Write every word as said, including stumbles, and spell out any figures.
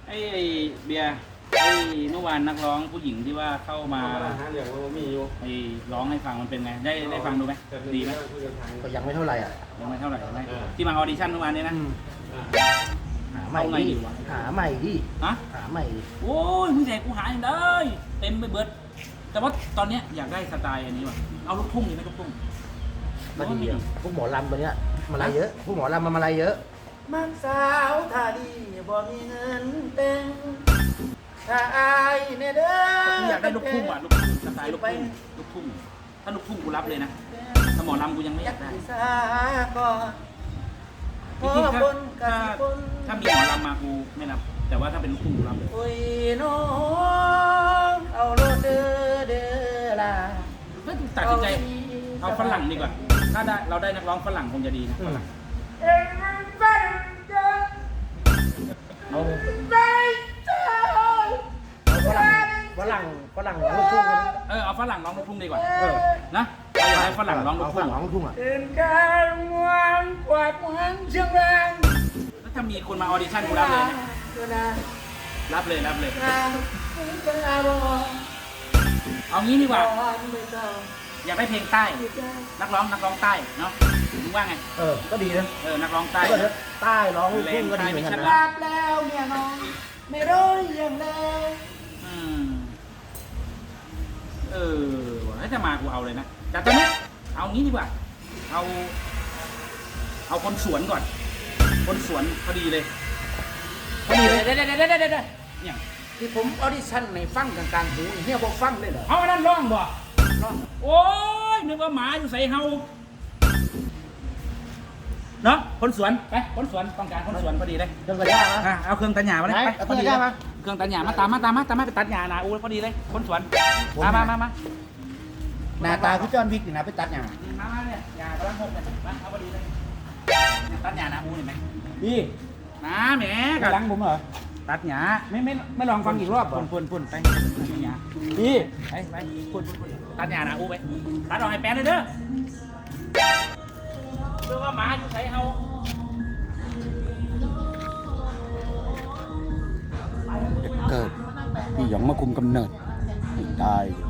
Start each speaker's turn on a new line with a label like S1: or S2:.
S1: ไอ้เบียร์ไอ้เมื่อวานนักร้องผู้หญิงที่ว่าเข้ามา
S2: เดี๋ยวมีอยู่
S1: ไอ้ร้องให้ฟังมันเป็นไงได้ได้ฟังดูไหมดีไหม
S3: ก็ยังไม่เท่าไหร่อ่ะ
S1: ยังไม่เท่าไหร่ไหมที่มาออดิชั่นเมื่อวานนี้นะ
S3: หาใหม่ดิหาใหม่ดิ
S1: ฮะ
S3: หาใหม่
S1: โอ้ยมึงแจกกูหาอย่างได้เต็มไปเบิดแต่ว่าตอนเนี้ยอยากได้สไตล์อันนี้ว่ะเอาลูกทุ่งดีไหมลูกทุ่ง
S3: มาดีอ่ะพวกหมอลำตัวเนี้ยมาลายเยอะพวกหมอลำมามาลายเยอะมักสาวท่าดีบ่มีเงินเต็งถ้าอายเนี่ยเด้อ
S1: อยากได้ลูกทุ่งว่ะลูกทุ่งสไตล์ลูกทุ่งลูกทุ่งถ้าลูกทุ่งกูรับเลยนะถ้าหมอลำกูยังไม่อยากได้จริงๆถ้าถ้าถ้ามีหมอลำมากูไม่รับแต่ว่าถ้าเป็นลูกทุ่งกูรับเลย
S3: โอ้ยน้องเอาโลดเด้อเด้อล่ะ
S1: ก็ตัดสินใจเอาฝรั่งดีกว่าถ้าได้เราได้นักร้องฝรั่งคงจะดีนะฝรั่ง
S3: เอาฝรั่งฝรั่งฝรั่งลูกทุ่งกัน
S1: เออเอาฝรั่งร้องลูกทุ่งดีกว่าเออนะเอาอย่างไรฝรั่งร้องลูกทุ่ง
S3: ร้องลูกทุ่งอ่ะ
S2: เป็นการมวนกวาดมวนเชียงราย
S1: แล้วถ้ามีคนมาออดิชั่นกูรับเลยนะรับเลยรับเลยเอางี้ดีกว่าอยากได้เพลงใต้นักร้องนักร้องใต้เนาะมึงว่าไง
S3: เออก็ดีนะ
S1: เออนักร้องใต้
S3: ใต้ร้องลูกทุ่งก็ดีเหมือนกันนะ
S2: รับแล้วเมียน้องไม่รู้ยังไง
S1: อืมเออถ้าจะมากูเอาเลยนะแต่ตอนนี้เอางี้ดีกว่าเอาเอาคนสวนก่อนคนสวนพอดีเลยพอดีเลยเด้เด้เด้เด้เด้เนี่ย
S3: ที่ผมออดิชั่นในฟังกลางๆหูเฮียบอกฟังเลยเหรอ
S1: เอาอันนั้นร้องบ่ร้องโอ้ยนึกว่าหมาอยู่ใส่เฮาเนาะคนสวนไปคนสวนต้องการคนสวนพอดีเลย
S3: เครื่องตัดหญ้ามา
S1: เอาเครื่องตัดหญ้ามาเลยไป
S3: พอดีเลย
S1: เครื่องตัดหญ้ามาตามมาตามมาตามมาไปตัดหญ้านะอู้พอดีเลยคนสวนมามามามา
S3: หน้าตาพี่จอนวิกนี่นะไปตัดหญ้า
S1: มามาเนี่ยหญ้ากำลังหกเลยมาเอาพอดีเลยตัดหญ้านะอู้เห็นไหม
S3: พี่
S1: นะแหม
S3: หลังผมเหรอ
S1: ตัดหญ้าไม่ไม่ไม่ลองฟังอีกรอบปุ่นปุ่นปุ่นไปหญ้า
S3: พี่
S1: ไปไปปุ่นปุ่นตัดหญ้านะอู้ไปตัดออกให้แป้นเลยเด้อเรื่องว่าหมาอยู่ใส่เฮา
S3: เกิดพี่หยองมาคุมกำเนิดตาย